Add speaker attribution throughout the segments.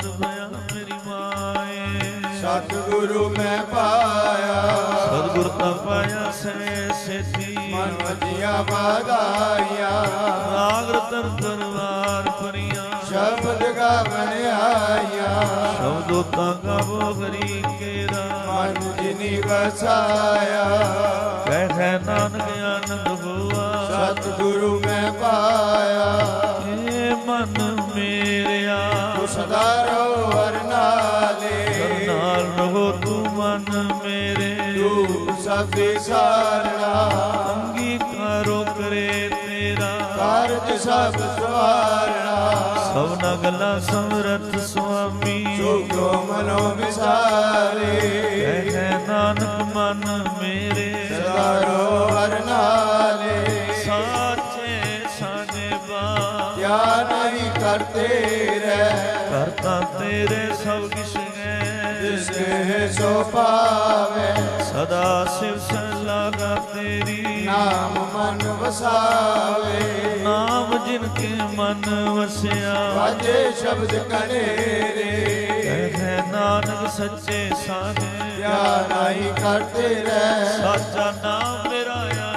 Speaker 1: ਮਨ ਭਇਆ ਮੇਰੀ ਮਾਏ।
Speaker 2: ਸਤਿਗੁਰੂ ਮੈਂ ਪਾਇਆ
Speaker 1: ਸਤਿਗੁਰ ਤਾਂ ਪਾਇਆ ਸਹਿ ਸੇਤੀ
Speaker 2: ਮਨ ਵਜੀਆਂ ਵਾਧਾਈਆਂ।
Speaker 1: ਰਾਗ ਰਤਨ ਦਰਬਾਰ ਭਰੀਆਂ
Speaker 2: ਸ਼ਬਦ ਗਾਵਣ ਆਈਆਂ।
Speaker 1: ਸ਼ਬਦੋ ਤਾਂ ਗਾਵੋ ਹਰੀ ਕੇਰਾ
Speaker 2: ਮਨ ਜਿਨੀ ਵਸਾਇਆ।
Speaker 1: ਕਹਿ ਨਾਨਕ ਆਨੰਦ ਹੋਆ
Speaker 2: ਸਤਿਗੁਰੂ ਮੈਂ ਪਾਇਆ।
Speaker 1: ਏ ਮਨ ਮੇਰਿਆ
Speaker 2: ਤੂੰ ਸਦਾ ਰਹੋ ਹਰ ਨਾਲੇ।
Speaker 1: ਨਾਲ ਰਹੋ ਤੂੰ ਮਨ ਮੇਰੇ।
Speaker 2: ਤੂੰ ਸਭ ਦੀ ਸਾਰਣਾ
Speaker 1: ਅੰਗੀਕਾਰੋ ਕਰੇ ਤੇਰਾ
Speaker 2: ਕਾਰਜ ਸਭ ਸਵਾਰਣਾ।
Speaker 1: ਸਭਨਾ ਗੱਲਾਂ ਸਮਰੱਥ ਸੁਆਮੀ
Speaker 2: ਜੋ ਮਨੋ ਵਿਸਾਰੇ।
Speaker 1: ਕਹਿ ਨਾਨਕ ਮਨ ਮੇਰੇ
Speaker 2: ਸਦਾ ਰਹੋ ਹਰ ਨਾਲੇ।
Speaker 1: ਸਾਚੇ ਸਾਜੇ ਬਾ
Speaker 2: ਕਿਆ ਨਹੀਂ ਕਰਤੇ ਰਹਿ।
Speaker 1: ਕਰਤਾ ਤੇਰੇ ਸਭ ਕਿਛ ਹੈ
Speaker 2: ਜਿਸ ਕੇ ਸੋ ਪਾਵੇ।
Speaker 1: ਸਦਾ ਸਿਵ ਸਲਾਗਾ ਤੇਰੀ
Speaker 2: ਨਾਮ ਮਨ ਵਸਾਵੇ।
Speaker 1: ਨਾਮ ਜਿਨ ਕੇ ਮਨ ਵਸਿਆ
Speaker 2: ਵਾਜੇ ਸ਼ਬਦ ਕਨੇਰੇ।
Speaker 1: ਕਹਿ ਨਾਨਕ ਸੱਚੇ ਸਾਜੇ
Speaker 2: ਕਿਆ ਨਹੀਂ ਕਰਤੇ ਰਹਿ।
Speaker 1: ਸਾਚਾ ਨਾਮ ਮੇਰਾ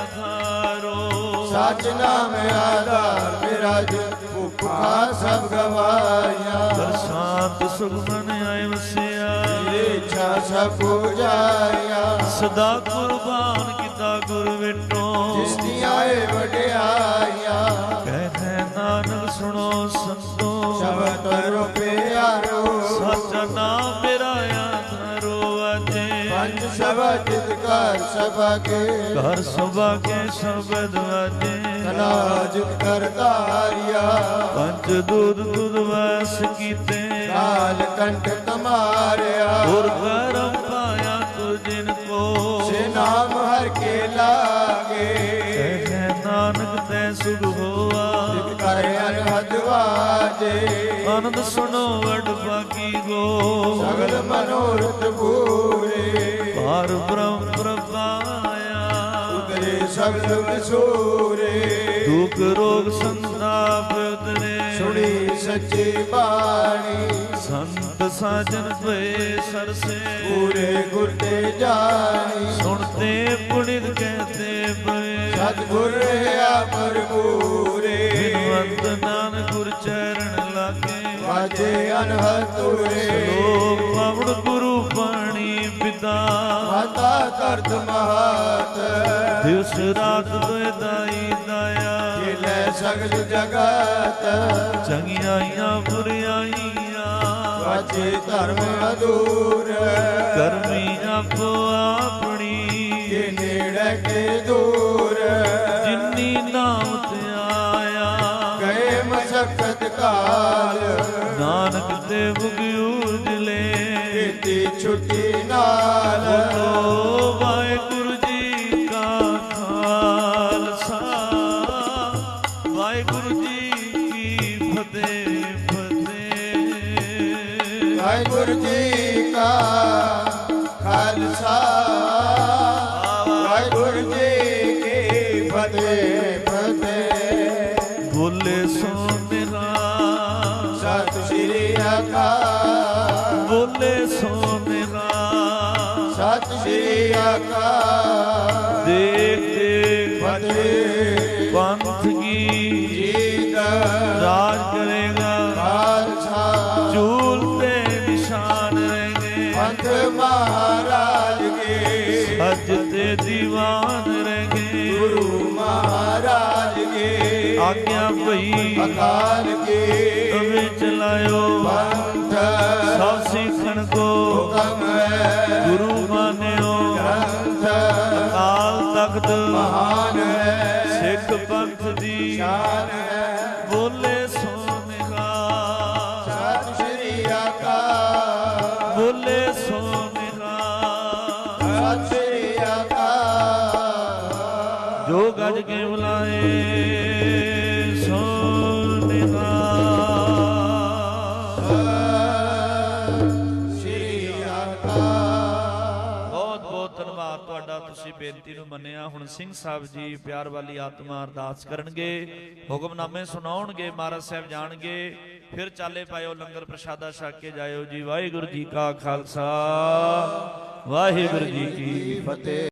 Speaker 1: ਆਧਾਰੋ
Speaker 2: ਸੱਚ ਨਾਮ ਆਧਾਰ ਮੇਰਾ। ਜੋ ਭੁੱਖਾ ਸਭ ਗਵਾਇਆ।
Speaker 1: ਬਰਸਾਤ ਸੁਖਮਨ ਆਏ ਵਸਿਆ
Speaker 2: ਇੱਛਾ ਸਭ ਪੁਜਾਇਆ।
Speaker 1: ਸਦਾ ਕੁਰਬਾਨ ਕੀਤਾ ਗੁਰ ਵਿਟੋ
Speaker 2: ਜਿਸ ਦੀ ਆਏ ਵਡਿਆਈਆਂ।
Speaker 1: ਕਹਿ ਨਾਨਕ ਸੁਣੋ ਸੰਤੋ
Speaker 2: ਸ਼ਬਦ ਕਰੋ ਪਿਆਰੋ।
Speaker 1: ਸਾਚਾ ਨਾਮ ਮੇਰਾ ਆਧਾਰੋ ਅਜੇ
Speaker 2: ਪੰਜ ਸ਼ਬਦ ਜਿਤ ਘਰ ਸਭਾ ਕੇ।
Speaker 1: ਘਰ ਸਭਾ ਕੇ ਸ਼ਬਦ ਵਾਜੇ
Speaker 2: ਕਲਾ ਜਿਤ ਕਰ ਧਾਰਿਆ।
Speaker 1: ਪੰਜ ਦੂਧ ਦੁਧ ਵਸ ਕੀਤੇ
Speaker 2: ਕਾਲ ਕੰਠ ਕਮਾਰਿਆ।
Speaker 1: ਗੁਰ ਕਰਮ ਪਾਇਆ ਤੁ ਜਿਨ ਕੋ
Speaker 2: ਸੇ ਨਾਮ ਹਰ ਕੇ ਲਾਗੇ।
Speaker 1: ਕਹਿ ਨਾਨਕ ਤੈ ਸੁਧ ਹੋਆ
Speaker 2: ਜਿਤ ਕਰ ਅਨਹਦ ਵਾਜੇ।
Speaker 1: ਆਨੰਦ ਸੁਣੋ ਵਡ ਬਾਕੀ ਗੋ
Speaker 2: ਸਗਲ ਮਨੋਰਥ ਪੂਰੇ।
Speaker 1: ਭਾਰ ਬ੍ਰਹਮ ਪ੍ਰਭਾਇਆ
Speaker 2: ਉਤਰੇ ਸਗਲ ਵਿਸੂਰੇ।
Speaker 1: ਦੁਖ ਰੋਗ ਸੰਤਾਪ ਉਤਰੇ
Speaker 2: ਸੁਣੀ ਸੱਚੀ ਬਾਣੀ।
Speaker 1: ਸੰਤ ਸਾਜਨ ਭਏ ਸਰਸੇ
Speaker 2: ਪੂਰੇ ਗੁਰ ਤੇ ਜਾਣੀ।
Speaker 1: ਸੁਣਤੇ ਪੁਣਿਤ ਕਹਤੇ ਪਏ
Speaker 2: ਸਤਿਗੁਰ ਰਹਾ ਭਰਪੂਰੇ।
Speaker 1: ਬਿਨਵੰਤ ਨਾਨਕ ਗੁਰ ਚਰਨ ਲਾਗੇ
Speaker 2: ਵਾਜੇ ਅਨਹਦ ਤੁਰੇ।
Speaker 1: ਲੋਕ ਪਵਨ ਗੁਰੂ ਪਾਣੀ ਪਿਤਾ
Speaker 2: ਮਾਤਾ ਤਰਤ ਮਹਾਤ।
Speaker 1: ਦਿਵਸ ਰਾਤ ਦੁਇ ਦਾਈ ਦਾਇਆ
Speaker 2: ਇਹ ਲੈ ਸਗਲ ਜਗਤ।
Speaker 1: ਚੰਗਿਆਈਆਂ ਬੁਰਿਆਈਆਂ
Speaker 2: ਵਾਜੇ ਧਰਮ ਅਦੂਰ।
Speaker 1: ਕਰਮੀ ਆਪੋ ਆਪਣੀ
Speaker 2: ਕੇ ਨੇੜੇ ਕੇ ਦੂਰ।
Speaker 1: ਜਿਨੀ ਨਾਮ ਤੇ ਆਇਆ
Speaker 2: ਗਏ ਮਸਕਤ ਕਾਲ।
Speaker 1: ਨਾਨਕ ਤੇ ਮੁਗਿਊਜ ਲੈ
Speaker 2: ਕੀਤੀ ਛੁੱਟੀ ਨਾਲ।
Speaker 1: ਬੋਲੋ ਵਾਹਿਗੁਰੂ ਜੀ ਕਾ ਖਾਲਸਾ ਵਾਹਿਗੁਰੂ ਜੀ ਕੀ ਫਤਿਹ ਫਤਿਹ।
Speaker 2: ਵਾਹਿਗੁਰੂ ਜੀ ਕਾ ਖਾਲਸਾ ਵਾਹਿਗੁਰੂ ਜੀ ਕੀ ਫਤਿਹ ਫਤਿਹ।
Speaker 1: ਬੋਲੇ ਸੋ ਨਿਹਾਲ
Speaker 2: ਸਤਿ ਸ਼੍ਰੀ ਅਕਾਲ।
Speaker 1: ਬੋਲੇ ਸੋ ਨਿਹਾਲ
Speaker 2: ਸਤਿ ਸ਼੍ਰੀ ਅਕਾਲ।
Speaker 1: ਦੇਖ ਦੇਖ
Speaker 2: ਫਤਿਹ
Speaker 1: ਪੰਥ ਕੀ
Speaker 2: ਜੀਤ
Speaker 1: ਰਾਜ ਕਰੇਗਾ
Speaker 2: ਖਾਲਸਾ।
Speaker 1: ਚੂਲ ਤੇ ਨਿਸ਼ਾਨ ਰਹੇਗੇ
Speaker 2: ਪੰਥ ਮਹਾਰਾਜ ਕੇ।
Speaker 1: ਅੱਜ ਤੇ ਦੀਵਾਨ ਰਹੇਗੇ
Speaker 2: ਗੁਰੂ ਮਹਾਰਾਜ ਕੇ।
Speaker 1: ਆਗਿਆ ਭਈ
Speaker 2: ਅਕਾਲ ਕੇ।
Speaker 1: ਤਵੇ ਚਲਾਇਓ
Speaker 2: ਪੰਥ
Speaker 1: ਸਭ ਸਿੱਖਣ ਕੋ
Speaker 2: ਹੁਕਮ ਹੈ।
Speaker 1: ਗੁਰੂ ਮਾਨਿਓ
Speaker 2: ਗ੍ਰੰਥ
Speaker 1: ਅਕਾਲ ਤਖਤ
Speaker 2: ਮਹਾਨ ਹੈ।
Speaker 1: ਸਿੱਖ ਪੰਥ ਦੀ
Speaker 2: ਸ਼ਾਨ ਹੈ।
Speaker 1: ਬੋਲੇ ਸੋ ਨਿਹਾਲ
Speaker 2: ਸਤਿ ਸ਼੍ਰੀ ਅਕਾਲ।
Speaker 1: ਬੋਲੇ ਸੋ ਨਿਹਾਲ
Speaker 2: ਸਤਿ ਸ਼੍ਰੀ ਅਕਾਲ।
Speaker 1: ਜੋ ਗੱਜ ਕੇ ਬੁਲਾਏ ਸੋ ਨਿਹਾਲ।
Speaker 2: ਸਤਿ ਸ਼੍ਰੀ ਅਕਾਲ।
Speaker 1: ਬਹੁਤ ਬਹੁਤ ਧੰਨਵਾਦ ਤੁਹਾਡਾ, ਤੁਸੀਂ ਬੇਨਤੀ ਨੂੰ ਮੰਨਿਆ। ਹੁਣ ਸਿੰਘ ਸਾਹਿਬ ਜੀ ਪਿਆਰ ਵਾਲੀ ਆਤਮਾ ਅਰਦਾਸ ਕਰਨਗੇ, ਹੁਕਮਨਾਮੇ ਸੁਣਾਉਣਗੇ, ਮਹਾਰਾਜ ਸਾਹਿਬ ਜਾਣਗੇ। ਫਿਰ ਚਾਲੇ ਪਾਇਓ, ਲੰਗਰ ਪ੍ਰਸ਼ਾਦਾ ਛਕ ਕੇ ਜਾਇਓ ਜੀ। ਵਾਹਿਗੁਰੂ ਜੀ ਕਾ ਖਾਲਸਾ, ਵਾਹਿਗੁਰੂ ਜੀ ਕੀ
Speaker 2: ਫਤਿਹ।